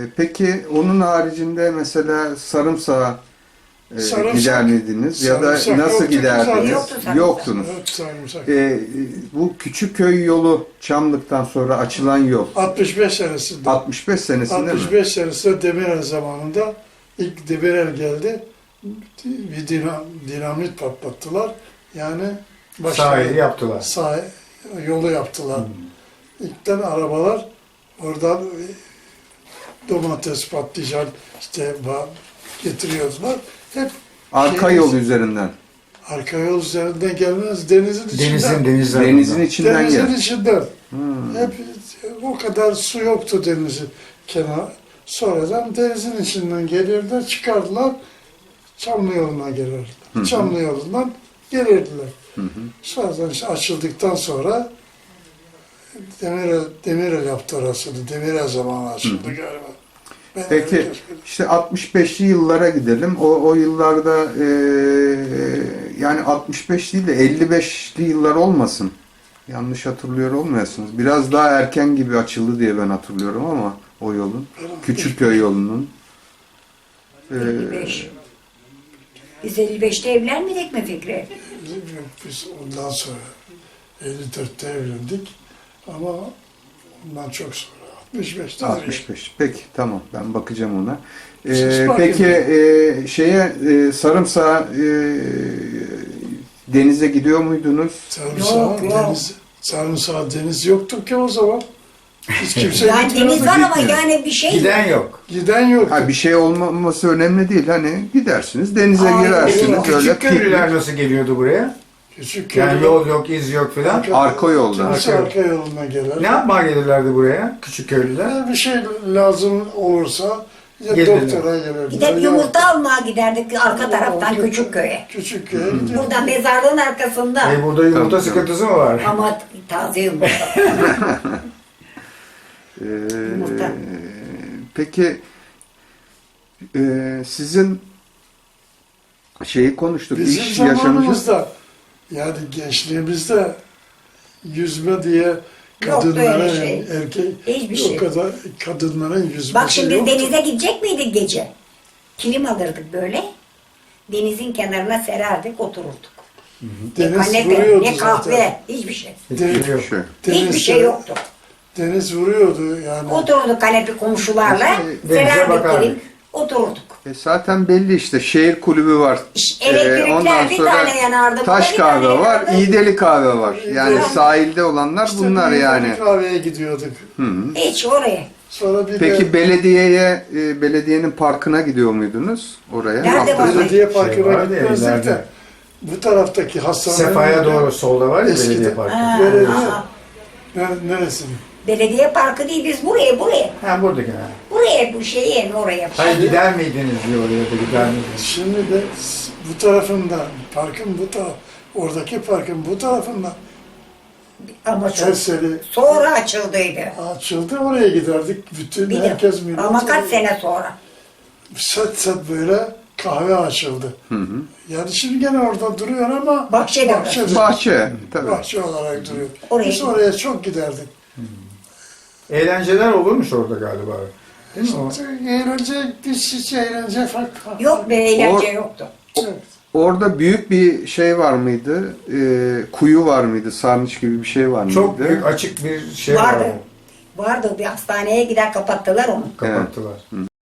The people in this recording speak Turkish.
Peki onun haricinde mesela sarımsağı Sarımsak. gider miydiniz? Ya da Sarımsak nasıl yoktu ki giderdiniz? zaten. Yoktu sarımsak. Yoktunuz. Evet, sarımsak. Bu Küçükköy yolu Çamlık'tan sonra açılan yol 65 senesinde. 65 senesinde mi? 65 senesinde Demirel zamanında ilk Demirel geldi. Bir dinamit patlattılar. Yani Sahili yaptılar. yolu yaptılar. İlkten arabalar oradan domates, patlıcan işte getiriyordular. Hep Arka yol üzerinden. arka yol üzerinden gelmez, denizin içinden. Denizin içinden Denizin gel. içinden. Hep o kadar su yoktu denizin kenar. Sonradan denizin içinden gelirler, çıkardılar. Çamlı yoluna gelirler. Çamlı yolundan gelirdiler. Sonradan işte açıldıktan sonra Demirel yaptı orasını. Demirel zamanı açıldı galiba. Ben Peki öyle işte 65'li yıllara gidelim. O yıllarda yani 65 değil de 55'li yıllar olmasın. Yanlış hatırlıyor olmayasınız. Biraz daha erken gibi açıldı diye ben hatırlıyorum ama o yolun. Küçükköy yolunun. 55. Biz 55'te evlenmedik mi Fikri? Biz ondan sonra 54'te evlendik ama ondan çok sonra 65'te 65. Peki tamam ben bakacağım ona. Siz bakın. Peki sarımsağı denize gidiyor muydunuz? Sarımsağı deniz yoktu ki o zaman. Hiç kimse Yani gitmiyordu. deniz var ama gitmiyor. yani bir şey Giden yok. Giden yok. Ha, bir şey olmaması önemli değil. Hani gidersiniz denize Aynen. girersiniz öyle Küçük köylüler piknik. nasıl geliyordu buraya? Küçük Yani köyde- yol yok, iz yok filan. Arka yoldan. Kimse arka yoluna gelir. Ne yapmaya gelirlerdi buraya küçük köylüler? Bir şey lazım olursa ya Gelirler. doktora gelirler. Gidip ya- yumurta almaya giderdik arka taraftan Küçükköy'e. Küçük köye gidiyor. Burada mezarlığın arkasında. Burada yumurta Tabii, sıkıntısı mı var? Ama taze yumurta. Yumurta. Peki sizin şeyi konuştuk. Bizim İş yaşamınız. zamanımızda yani gençliğimizde yüzme diye kadınlara öyle şey. erkek Hiçbir şey. o kadar kadınların yüzmesi Bak şimdi yoktu. denize gidecek miydik gece? Kilim alırdık böyle. Denizin kenarına sererdik, otururduk. Ne Deniz kanepe, vuruyordu ne kahve, zaten. hiçbir şey. Hiçbir şey yok. Hiçbir şey yoktu. Deniz vuruyordu yani. Otururduk kanepe komşularla, Denize sererdik bakardık. kilim, otururduk. Zaten belli işte şehir kulübü var. Elektrikler bir tane yanardı. Taş bir tane kahve var, yanardı. İğdeli kahve var. Yani Evet. sahilde olanlar İşte bunlar bir yani. kahveye gidiyorduk. Hiç oraya. Sonra bir Peki de belediyenin parkına gidiyor muydunuz oraya? Nerede Hafta sonu? var? belediye parkına vardı ya, gitmezdik ileride. de bu taraftaki hastanenin Sefa'ya doğru solda var ya Eskiden. belediye parkı. Ha, Belediye. aa. Neresi? Belediye parkı değil, biz buraya. Ha buradaki ha. Buraya bu şeyi oraya. Hayır gider miydiniz diyor oraya da gider miydiniz? Şimdi de bu tarafında, parkın bu taraf, oradaki parkın bu tarafında Ama çok Erseli sonra açıldıydı. açıldı, oraya giderdik. Bütün Bir de, herkes millet. ama kaç sene sonra. Set böyle kahve açıldı. Yani şimdi gene orada duruyor ama Bahçede. Bahçe. Tabii. bahçe olarak duruyor. Oraya Biz oraya çok giderdik. Eğlenceler olurmuş orada galiba. Değil mi o? Eğlence farklı. Yok be eğlence yoktu. Orada büyük bir şey var mıydı? Kuyu var mıydı? Sarnıç gibi bir şey var mıydı? Çok büyük açık bir şey Vardı. vardı. Vardı bir hastaneye gider kapattılar onu. Kapattılar.